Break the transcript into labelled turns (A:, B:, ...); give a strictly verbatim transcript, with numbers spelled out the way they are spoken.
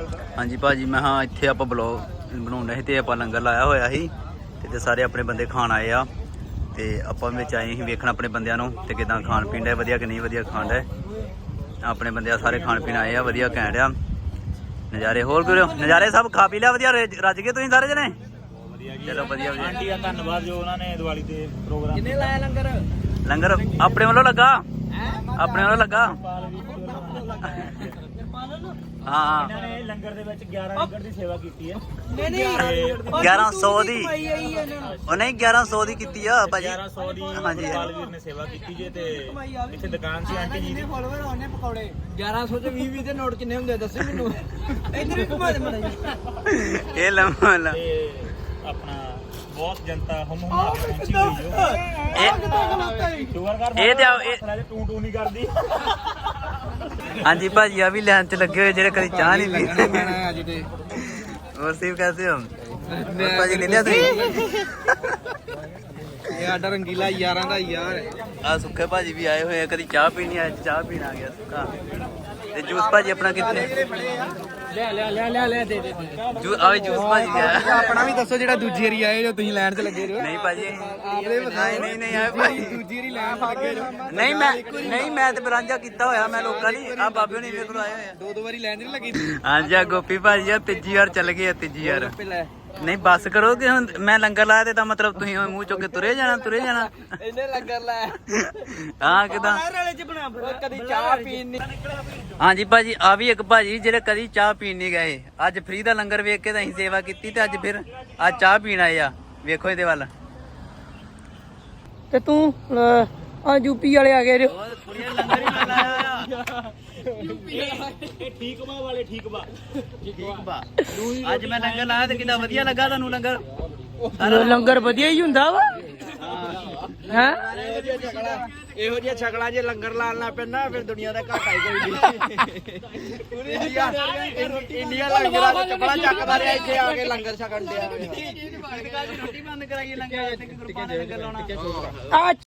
A: हाँ जी भाजी मैं हाँ इत्थे आपां ब्लॉग बनाउंदे सी ते आपां लंगर लाया होया सी ते सारे अपने बंदे खाण आए आ ते आपां विच आए सी वेखण अपने बंदियां नूं ते किदां खाण पीण है वधिया कि नहीं वधिया खाण है अपने बंदे सारे खाण पीण आए आ वधिया घैंट आ नज़ारे होर करो नज़ारे सब खा पी लिया वधिया रज गए तुसीं सारे जने चलो वधिया
B: आंटी का धन्नवाद जो उन्होंने दिवाली ते प्रोग्राम
C: किन्ने लाया लंगर
A: लंगर अपने वालों लगा अपने वालों लगा हाँ
B: इन्होंने लंगर दे विच ग्यारह लंगर दी सेवा कीती है
C: नहीं नहीं
A: ग्यारह सौ दी
C: कमाई आई है ਇਹਨਾਂ ਨੂੰ
A: ਉਹ ਨਹੀਂ ਗਿਆਰਾਂ ਸੌ ਦੀ ਕੀਤੀ ਆ ਭਾਜੀ
B: ग्यारह सौ दी
A: ਹਾਂਜੀ
B: ਬਾਲਵੀਰ ਨੇ ਸੇਵਾ ਕੀਤੀ ਜੇ ਤੇ ਇੱਥੇ ਦੁਕਾਨ ਸੀ ਆਂਟੀ ਜੀ ਦੀ
C: ਫਾਲੋਅਰ ਆਉਣੇ ਪਕੌੜੇ ਗਿਆਰਾਂ ਸੌ ਚ ਵੀਹ ਵੀਹ ਦੇ ਨੋਟ ਕਿੰਨੇ ਹੁੰਦੇ ਦੱਸੋ ਮੈਨੂੰ ਇੱਧਰ ਵੀ ਘੁਮਾ ਦੇ ਮੜਾ ਜੀ
A: ਇਹ ਲੰਮਾ ਲਾ
B: ਤੇ ਆਪਣਾ ਬਹੁਤ ਜਨਤਾ ਹਮ ਹਮ ਆ ਕੇ ਪਹੁੰਚੀ ਹੋਈ ਜੋ ਸ਼ੁਗਰ ਕਰ
A: ਇਹ ਤੇ ਆ- ਇਹ-
B: ਟੂ ਟੂ ਨਹੀਂ ਕਰਦੀ
A: ਹਾਂਜੀ ਭਾਜੀ ਆ ਵੀ ਲਾਈਨ ਚ ਲੱਗੇ ਹੋਏ ਜਿਹੜੇ ਕਦੀ ਚਾਹ ਨਹੀਂ ਪੀਂਦੇ
C: ਮੈਂ ਅੱਜ ਤੇ
A: ਹੋਰ ਸਿਵ ਕੈਸੇ ਹੋ ਹੋਰ ਭਾਜੀ ਲੈ ਲਿਆ ਤੁਸੀਂ
C: ਇਹ ਆਡਾ ਰੰਗੀਲਾ ਯਾਰਾਂ ਦਾ ਯਾਰ
A: ਆ ਸੁੱਖੇ ਭਾਜੀ ਵੀ ਆਏ ਹੋਏ ਆ ਕਦੀ ਚਾਹ ਪੀਣੀ ਆ ਚਾਹ ਪੀਣ ਆ ਗਿਆ ਸੁੱਖਾ ਤੇ ਜੂਸ ਭਾਜੀ ਆਪਣਾ ਕਿੱਥੇ
C: ਲੈ ਲੈ ਲੈ ਲੈ ਲੈ ਦੇ ਦੇ
A: ਜੂ ਆ ਜੂਸ ਭਾਜੀ ਵੀ ਆਇਆ
C: ਆਪਣਾ ਵੀ ਦੱਸੋ ਜਿਹੜਾ ਦੂਜੀ ਵਾਰੀ ਆਏ ਜੋ ਤੁਸੀਂ ਲਾਈਨ 'ਚ ਲੱਗੇ ਰਹੋ
A: ਨਹੀਂ ਭਾਜੀ
C: ਆਪਦੇ
A: ਨਹੀਂ ਨਹੀਂ ਨਹੀਂ ਆਏ ਭਾਜੀ
C: ਦੂਜੀ ਵਾਰੀ ਲਾਈਨ 'ਚ ਲੱਗੇ ਜੋ
A: ਨਹੀਂ ਮੈਂ ਨਹੀਂ ਮੈਂ ਤੇ ਬਰਾਂਝਾ ਕੀਤਾ ਹੋਇਆ ਮੈਂ ਲੋਕਾਂ ਲਈ ਆ ਬਾਬੇ ਹੋਣੀ ਮੇਰੇ ਕੋਲ ਆਏ ਹੋਏ ਆ
C: ਦੋ ਦੋ ਵਾਰੀ ਲਾਈਨ 'ਚ ਨਹੀਂ ਲੱਗੀ
A: ਹਾਂਜੀ ਆ ਗੋਪੀ ਭਾਜੀ ਆ ਤੀਜੀ ਵਾਰ ਚੱਲ ਗਏ ਆ ਤੀਜੀ ਵਾਰ
C: ਲੈ
A: ਨਹੀਂ ਬੱਸ ਕਰੋ ਕਿ ਹੁਣ ਮੈਂ ਲੰਗਰ ਲਾਇਆ ਤੇ ਤਾਂ ਮਤਲਬ ਤੁਸੀਂ ਮੂੰਹ ਚੁੱਕ ਕੇ ਤੁਰੇ ਜਾਣਾ ਤੁਰੇ ਜਾਣਾ
C: ਇਹਨੇ ਲੰਗਰ ਲੈ
A: ਹਾਂ ਕਿਦਾਂ
C: ਵਾਲੇ 'ਚ ਬਣਾ ਕਦੀ ਚਾਹ ਪੀਣ ਨਹੀਂ
A: ਹਾਂਜੀ ਭਾਜੀ ਆ ਵੀ ਇੱਕ ਭਾਜੀ ਜਿਹੜੇ ਕਦੀ ਚਾਹ ਪੀਣ ਨਹੀਂ ਗਏ ਅੱਜ ਫ੍ਰੀ ਦਾ ਲੰਗਰ ਵੇਖ ਕੇ ਤਾਂ ਅਸੀਂ ਸੇਵਾ ਕੀਤੀ ਤੇ ਅੱਜ ਫਿਰ ਅੱਜ ਚਾਹ ਪੀਣ ਆਏ ਆ ਵੇਖੋ ਇਹਦੇ ਵੱਲ
C: ਤੇ ਤੂੰ ਆ ਯੂਪੀ ਵਾਲੇ ਆ ਗਏ ਜੋ
A: ਲੰਗਰ ਹੀ ਲਾਇਆ
B: ਇਹ ਠੀਕ ਬਾ ਵਾਲੇ ਠੀਕ ਬਾ
A: ਠੀਕ ਬਾ ਅੱਜ ਮੈਂ ਲੰਗਰ ਲਾਇਆ ਤੇ ਕਿੰਨਾ ਵਧੀਆ ਲੱਗਾ ਤੁਹਾਨੂੰ ਲੰਗਰ
C: ਲੰਗਰ ਵਧੀਆ ਹੀ ਹੁੰਦਾ ਵਾ ਹੈ
B: ਇਹੋ ਜਿਹਾ ਛਕਲਾ ਜੇ ਲੰਗਰ ਲਾਣ ਲੱਗ ਪੈਣਾ ਫਿਰ ਦੁਨੀਆ ਦਾ ਘਾਟਾ ਹੀ ਕੋਈ ਨਹੀਂ ਇੰਡੀਆ ਇੰਡੀਆ ਲੰਗਰਾਂ ਦਾ ਚੱਪੜਾ ਚੱਕਦਾ ਰਿਹਾ ਇੱਥੇ ਆ ਕੇ ਲੰਗਰ ਛਕਣ ਡਿਆ
A: ਰੋਟੀ ਬੰਦ ਕਰਾਈਏ ਲੰਗਰ ਤੇ ਗੁਰਬਾਣੀ ਲੰਗਰ ਲਾਉਣਾ
C: ਆ